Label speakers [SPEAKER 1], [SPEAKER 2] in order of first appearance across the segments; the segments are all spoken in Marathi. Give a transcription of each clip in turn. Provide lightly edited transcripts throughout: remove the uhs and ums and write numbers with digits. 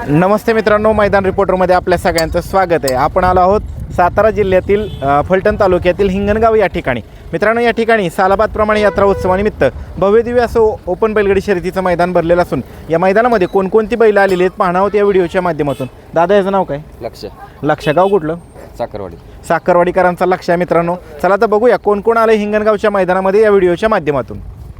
[SPEAKER 1] नमस्ते मित्रांनो, मैदान रिपोर्टरमध्ये आपल्या सगळ्यांचं स्वागत आहे. आपण आलो आहोत सातारा जिल्ह्यातील फलटण तालुक्यातील हिंगणगाव या ठिकाणी. मित्रांनो, या ठिकाणी सालाबादप्रमाणे यात्रा उत्सवानिमित्त भव्यदिव्य असं ओपन बैलगाडी शर्यतीचं मैदान भरलेलं असून या मैदानामध्ये कोणकोणती बैलं आलेली आहेत पाहणार आहोत या व्हिडिओच्या माध्यमातून. दादा, याचं नाव काय? लक्ष. गाव कुठलं? साखरवाडीकरांचा लक्ष आहे. मित्रांनो, चला तर बघूया कोण कोण आलं हिंगणगावच्या मैदानामध्ये या व्हिडिओच्या माध्यमातून.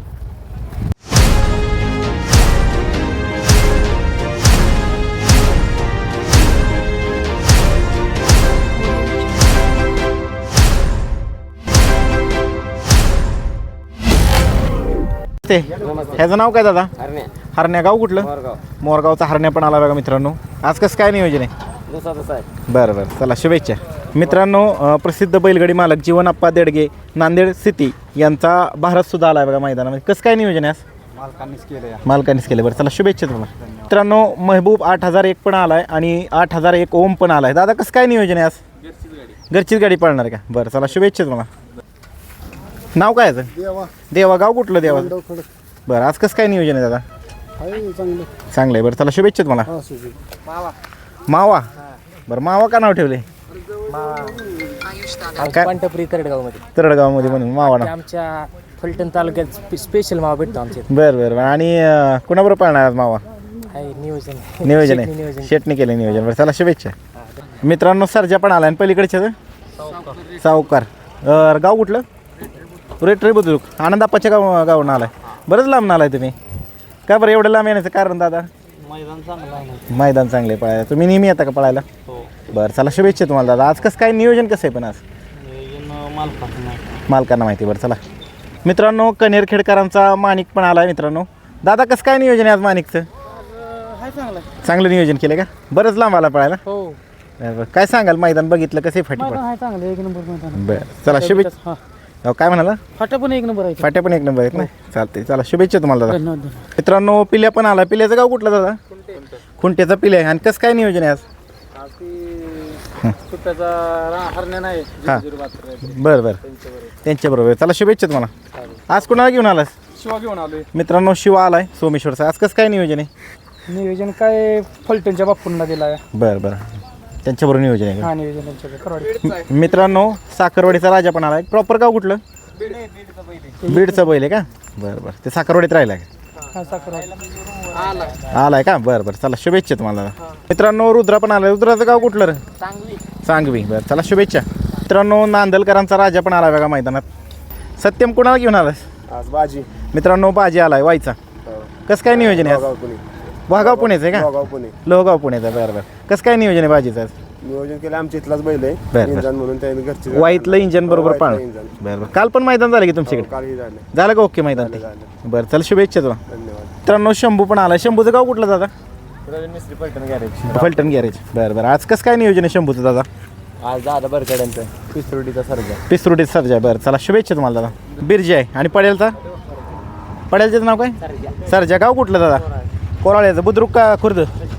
[SPEAKER 1] ह्याचं नाव काय दादा? हरण्या. गाव कुठलं? मोरगावचा हरण्या पण आला बघा मित्रांनो. आज कसं काय नियोजन आहे? बरं बरं, चला शुभेच्छा. मित्रांनो, प्रसिद्ध बैलगाडी मालक जीवनप्पा देडगे नांदेड सिटी यांचा भारत सुद्धा आला बघा मैदानामध्ये. कसं काय नियोजन आहे आज? मालकांनीच केलं. बरं, चला शुभेच्छा तुम्हाला. मित्रांनो, महबूब 8001 पण आलाय आणि 8001 ओम पण आलाय. दादा, कसं काय नियोजन आहे आज? घरचीच गाडी पळणार आहे का? बरं, चला शुभेच्छा तुम्हाला. नाव काय याचं? देवा. गाव कुठलं? देवा. बरं, आज कसं काय नियोजन आहे दादा? चांगलं आहे. बरं, चला शुभेच्छा तुम्हाला. मावा. बरं, मावा का नाव ठेवले? तरडगावमध्ये म्हणून मावा ना.
[SPEAKER 2] आमच्या फलटण तालुक्यात स्पेशल मावा भेटतो आमच्या.
[SPEAKER 1] बरं बरं. आणि कुणाबरोबर पाळणार आज मावा? नियोजन आहे. शेटने केलं नियोजन. बरं, चला शुभेच्छा. मित्रांनो, सरजा पण आला आणि पलीकडच्या सावकार. गाव कुठलं? रेट रे बुद्रुक. आनंदाप्पाच्या गावून आलाय. बरंच लांब आलाय तुम्ही. का बरं एवढं लांब येण्याचं कारण दादा? मैदान चांगले पळायला. तुम्ही नेहमी येता का पळायला? बरं, चला शुभेच्छा तुम्हाला दादा. आज कसं काय नियोजन कसं आहे पण आज? मालकांना माहिती. बरं, चला. मित्रांनो, कनेरखेडकरांचा माणिक पण आलाय. मित्रांनो, दादा कसं काय नियोजन आहे आज माणिकचं? चांगलं नियोजन केलं का? बरंच लांब आला पळायला. बरं, काय सांगाल? मैदान बघितलं कसं फाटी पण? बरं, चला शुभेच्छा. काय म्हणाला?
[SPEAKER 2] फाट्या पण एक नंबर आहे.
[SPEAKER 1] फाट्या पण एक नंबर आहेत ना. चालते, चला शुभेच्छा तुम्हाला दादा. मित्रांनो, पिल्या पण आला. पिल्याचं गाव कुठलं दादा? खुंट्याचा पिल्या आहे. आणि कसं काय नियोजन आहे आज? हां, बरं बरं, त्यांच्याबरोबर. चला शुभेच्छा तुम्हाला. आज कुणाला घेऊन आलास?
[SPEAKER 2] शिवा घेऊन आलोय.
[SPEAKER 1] मित्रांनो, शिवा आलाय सोमेश्वरचा. आज कसं काय नियोजन आहे?
[SPEAKER 2] नियोजन काय फलटणच्या बापूंना दिलाय.
[SPEAKER 1] बरं बरं, त्यांच्याबरोबर नियोजन आहे.
[SPEAKER 2] हा, नियोजन.
[SPEAKER 1] मित्रांनो, साखरवाडीचा राजा पण आलाय. प्रॉपर गाव कुठलं? बीडचा बैल आहे का? बरं बरं, ते साखरवाडीत राहिला आलाय का? बरं बरं, चला शुभेच्छा तुम्हाला. मित्रांनो, रुद्रा पण आलाय. रुद्राचं गाव कुठलं? सांगवी. बरं, चला शुभेच्छा. मित्रांनो, नांदलकरांचा राजा पण आलाय बघा मैदानात. सत्यम कुणाला घेऊन आलास?
[SPEAKER 3] आज बाजी.
[SPEAKER 1] मित्रांनो, बाजी आलाय वायचा. कसं काय नियोजन आहे? वाघाव पुण्याचं आहे का? लोहगाव पुण्याचं. बरं बरं, कसं काय नियोजन आहे बाजीचं?
[SPEAKER 3] नियोजन केलं आमच्या इथलाच बैल आहे.
[SPEAKER 1] बरं.
[SPEAKER 3] इंजन म्हणून त्याने घरचे
[SPEAKER 1] वाईतलं इंजन बरोबर पाळ. बरं बरं, काल पण मैदान झालं की तुमच्याकडे?
[SPEAKER 3] कालही
[SPEAKER 1] झालं का? ओके मैदान ते. बरं, चला शुभेच्छा तुला.
[SPEAKER 3] धन्यवाद.
[SPEAKER 1] मित्रांनो, शंभू पण आला. शंभूचं गाव कुठलं दादा? फलटण गॅरेज. बरं बरं, आज कसं काय नियोजन आहे शंभूचं दादा?
[SPEAKER 3] आज दादा बरकड्यांचं पिसरुडीचा
[SPEAKER 1] सर्जा. बरं, चला शुभेच्छा तुम्हाला दादा. बिरजी आहे. आणि पड्यालचं नाव काय? सरजा. गाव कुठलं दादा? कोराळ्याचं. बुद्रुक का खुर्द?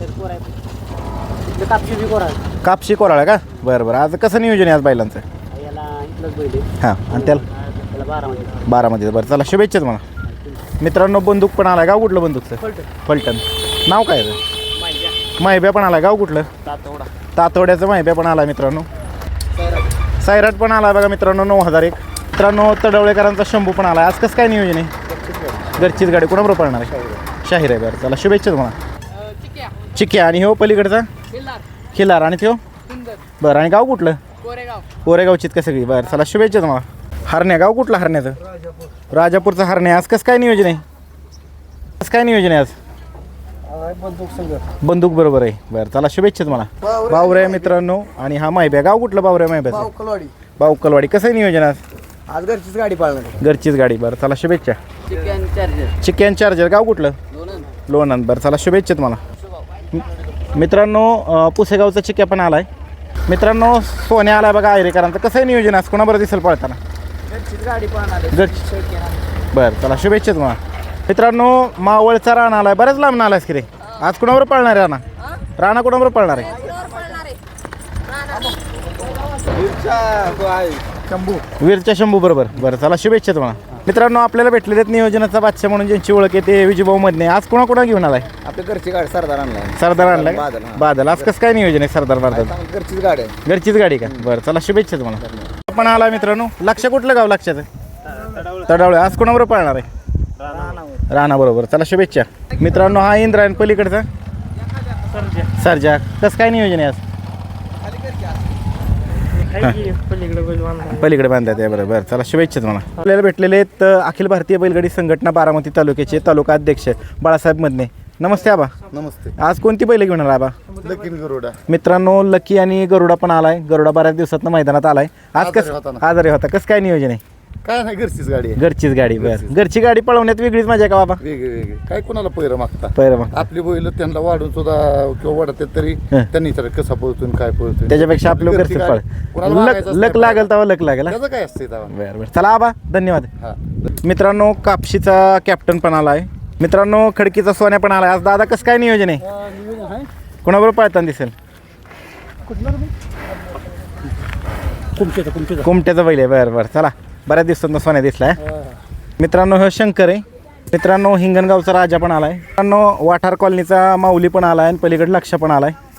[SPEAKER 1] कापशी कोराळा का? बरं बरं, आज कसं नियोजन आहे आज बैलांचं? हां, आणि त्याला बारामध्ये. बरं, चला शुभेच्छा तुम्हाला. मित्रांनो, बंदूक पण आला. गाव कुठलं बंदूकचं? फलटण. नाव काय? माहिब्या पण आला. गाव कुठलं? तातोड्याचं माहिब्या पण आला. मित्रांनो, सायराट पण आला बघा मित्रांनो. 9001. मित्रांनो, तडवळेकरांचा शंभू पण आला. आज कसं काय नियोजन आहे? घरचीच गाडी. कोणाबरोबर पळणार आहे? शाहीर आहे. बरं, चला शुभेच्छा तुम्हाला. चिक्या. आणि हो पलीकडचा खिलार. आणि तो बरं. आणि गाव कुठलं? कोरेगावचीत का सगळी? बरं, चला शुभेच्छा तुम्हाला. हरण्या. गाव कुठलं हरण्याचं? राजापूरचा हरण्या. आज कसं काय नियोजन आहे? कसं काय नियोजन आहे आज? बंदूक बरोबर आहे. बरं, चला शुभेच्छा तुम्हाला. बावऱ्या मित्रांनो. आणि हा माहिब्या. गाव कुठलं? बावऱ्या माहिब्याचं. बावकलवाडी. कसं आहे नियोजन आज?
[SPEAKER 3] आज घरचीच गाडी पाळणार.
[SPEAKER 1] घरचीच गाडी. बरं, चला शुभेच्छा. Chicken charger. गाव कुठलं? लोणंद. बरं, चला शुभेच्छा तुम्हाला. मित्रांनो, पुसेगावचा चिक्या पण आलाय. मित्रांनो, सोन्या आलाय बघा आयरेकरांचं. कसं आहे नियोजन आज? कोणाबरोबर दिसेल पळताना? बरं, चला शुभेच्छा तुम्हाला. मित्रांनो, मावळचा राणा आलाय. बऱ्याच लांब आलायस की रे. आज कुणाबरोबर पळणार आहे राणा? कुणाबरोबर पळणार आहे? वीरच्या शंभू बरोबर. बरं, चला शुभेच्छा तुम्हाला. मित्रांनो आपल्याला भेटलेले आहेत नियोजनाचा बादशाह म्हणून ज्यांची ओळख आहे ते विजयभाऊ मधने. आज कोणा घेऊन आलाय?
[SPEAKER 3] आपल्या घरची गाडी सरदार आणलाय.
[SPEAKER 1] सरदार आणलाय
[SPEAKER 3] बादल, हां.
[SPEAKER 1] बादल. आज कसं काय नियोजन आहे सरदार बादल?
[SPEAKER 3] घरचीच गाडी आहे.
[SPEAKER 1] घरचीच गाडी का? बरं चला शुभेच्छा तुम्हाला. आपण आला मित्रांनो. लक्ष कुठलं गाव लक्षात? तडावळे. आज कोणाबरोबर पाळणार आहे? राणा बरोबर. चला शुभेच्छा मित्रांनो. हा इंद्रायण पलीकडचा सरजा. कसं काय नियोजन आहे आज? पलीकडे बांधतात आहे. बरोबर. चला शुभेच्छा तुम्हाला. आपल्याला भेटलेले आहेत अखिल भारतीय बैलगाडी संघटना बारामती तालुक्याचे तालुका अध्यक्ष बाळासाहेब मधने. नमस्ते आबा.
[SPEAKER 3] नमस्ते.
[SPEAKER 1] आज कोणती बैल घेऊन आला आबा?
[SPEAKER 3] लकीन गरुडा.
[SPEAKER 1] मित्रांनो लकी आणि गरुडा पण आलाय. गरुडा बऱ्याच दिवसात मैदानात आलाय. आज
[SPEAKER 3] आजारी
[SPEAKER 1] कसं
[SPEAKER 3] होता ना.
[SPEAKER 1] आजारी होता. कसं काय नियोजन आहे?
[SPEAKER 3] काय नाही, घरचीच गाडी आहे.
[SPEAKER 1] घरचीच गाडी. बरं. घरची गाडी पळवण्यात वेगळीच मजा आहे का बाबा?
[SPEAKER 3] वेगळे वेगळे काय कोणाला पैर मागता.
[SPEAKER 1] बरं मग
[SPEAKER 3] आपली बैल त्यांना वाढून सुद्धा किंवा वाढतात तरी
[SPEAKER 1] हं.
[SPEAKER 3] त्यांनी विचार कसा पळतोय आणि काय पळतोय.
[SPEAKER 1] त्याच्यापेक्षा आपलं
[SPEAKER 3] घरची
[SPEAKER 1] घरचं
[SPEAKER 3] गाडी.
[SPEAKER 1] पळ.
[SPEAKER 3] कोणाला
[SPEAKER 1] लक
[SPEAKER 3] मागायचंच
[SPEAKER 1] लक
[SPEAKER 3] नाही.
[SPEAKER 1] लागेल तेव्हा लक लागेल.
[SPEAKER 3] त्याचं काय असते तेव्हा.
[SPEAKER 1] बरं बरं. चला आबा धन्यवाद.
[SPEAKER 3] हा.
[SPEAKER 1] मित्रांनो कापशीचा कॅप्टन पण आलाय. मित्रांनो खडकीचा सोन्या पण आलाय. आज दादा कसं काय नियोजन आहे?
[SPEAKER 2] नियोजन आहे
[SPEAKER 1] कोणाबरोबर पळताना दिसेल?
[SPEAKER 2] कुमचेचं
[SPEAKER 1] कुमट्याचा बैल आहे. बरं बरं. चला बऱ्याच दिवसांना सोन्या दिसलाय. मित्रांनो हा शंकर आहे. मित्रांनो हिंगणगावचा राजा पण आलाय. मित्रांनो वाठार कॉलनीचा माऊली पण आलाय आणि पलीकडे लक्ष पण आलाय.